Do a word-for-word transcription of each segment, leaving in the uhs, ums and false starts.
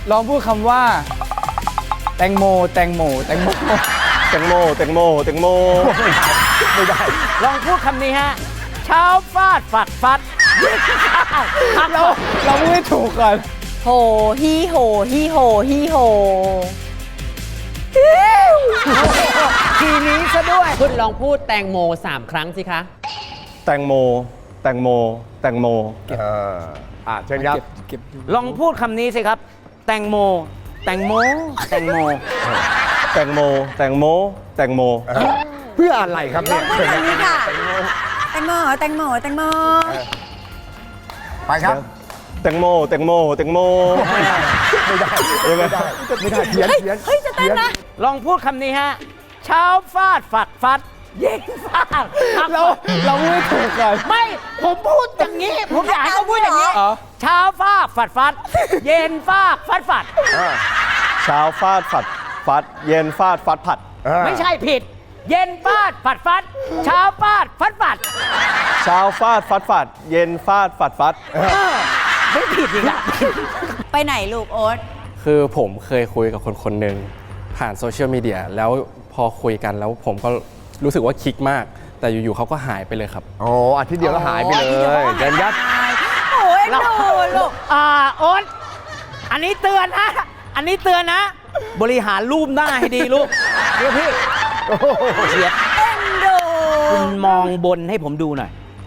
ลองพูดคำว่า แตงโมแตงโมแตงโมแตงโมแตงโมแตงโมไม่ได้ลองพูดคำนี้ฮะเช้าฟาดฝัดฟัดเราเราพูดให้ถูกก่อนโหฮีโหฮีโหฮีโหทีนี้ซะด้วยคุณลองพูดแตงโมสามครั้งสิคะแตงโมแตงโมแตงโมอ่าเชิญครับเก็บอยู่ลองพูดคำนี้สิครับ แตงโม แตงโม แตงโมแตงโมแตงโมแตงโมเพื่ออะไรครับเนี่ยพูดคำนี้ค่ะ แตงโมแตงโมแตงโมไปครับแตงโมแตงโมแตงโมไม่ได้ไม่ได้ไม่ได้ไม่ได้เขียนเขียนเฮ้ยจะเต้นนะลองพูดคำนี้ฮะเช้าฟาดฝัดฟัด เย็นฟาดเราเราพูดให้ถูกก่อนไม่ ผมพูดอย่างนี้ ผมอยากให้เขาพูดอย่างนี้อ๋อเช้าฟาดฝัดฟัด เย็นฟาดฟัดฝัดเช้าฟาดฝัดฟัดเย็นฟาดฟัดผัดไม่ใช่ผิด เย็นฟาดฝัดฟัด เช้าฟาดฟัดฝัดเช้าฟาดฟัดฟัดเย็นฟาดฟัดฟัดไม่ผิดอีกแล้วไปไหนลูกโอ๊ตคือผมเคยคุยกับคนคนหนึ่งผ่านโซเชียลมีเดียแล้วพอคุยกันแล้วผมก็รู้สึกว่าคลิกมาก แต่อยู่ๆเขาก็หายไปเลยครับโอ้อาทิตย์เดียวก็หายไปเลยเดินยัดโอ้ยดูลูกอ่าโอ๊ตอันนี้เตือนนะ อันนี้เตือนนะ บริหารรูปหน้าให้ดีลูกเดี๋ยวพี่เสียเอ็นดูคุณมองบนให้ผมดูหน่อย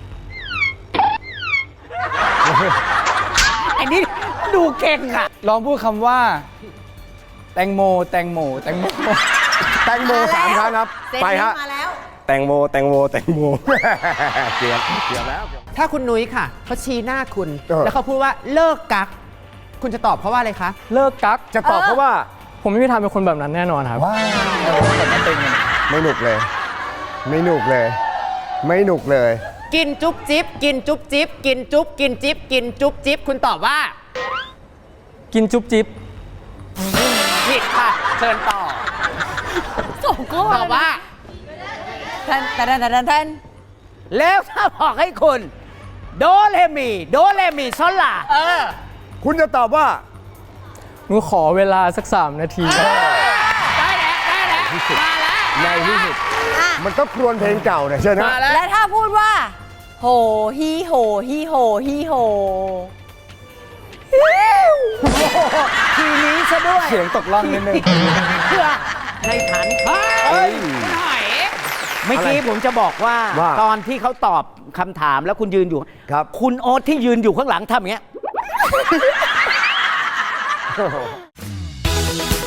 ไอ้นี่ดูเก่งอ่ะลองพูดคำว่า แตงโมแตงโมแตงโมแตงโมสามครั้งครับเซนไปนี้ฮะมาแล้วแตงโมแตงโมแตงโมเกียบเกียบแล้วถ้าคุณนุ้ยค่ะเขาชี้หน้าคุณเออแล้วเขาพูดว่าเลิกกัก คุณจะตอบเขาว่าอะไรคะเลิกกักจะตอบเพราะว่าผมไม่มีทางเป็นคนแบบนั้นแน่นอนครับไม่หนุกเลย ไม่หนุกเลย ไม่หนุกเลยกินจุ๊บจิ๊บกินจุ๊บจิ๊บกินจุ๊บกินจิ๊บกินจุ๊บจิ๊บคุณตอบว่ากินจุ๊บจิ๊บผิดค่ะ เชิญต่อส่งข้อตอบว่าท่านท่านท่านท่านแล้วถ้าบอกให้คุณ โดเลมีโดเลมีซอลลาเออคุณจะตอบว่าหนูขอเวลาสักสามนาทีได้แล้วได้แล้วมาแล้วในที่สุดอ่ะมันก็ครวญเพลงเก่าเนี่ยใช่ไหมมาแล้วและถ้าพูดว่า โหฮีโหฮีโหฮีโหทีนี้ซะด้วยเสียงตกล่องนิดนึงเพื่อในฐานเฮ้ยคุณหอยเมื่อกี้ผมจะบอกว่าว่าตอนที่เขาตอบคำถามแล้วคุณยืนอยู่ครับคุณโอ๊ตที่ยืนอยู่ข้างหลังทำอย่างเงี้ย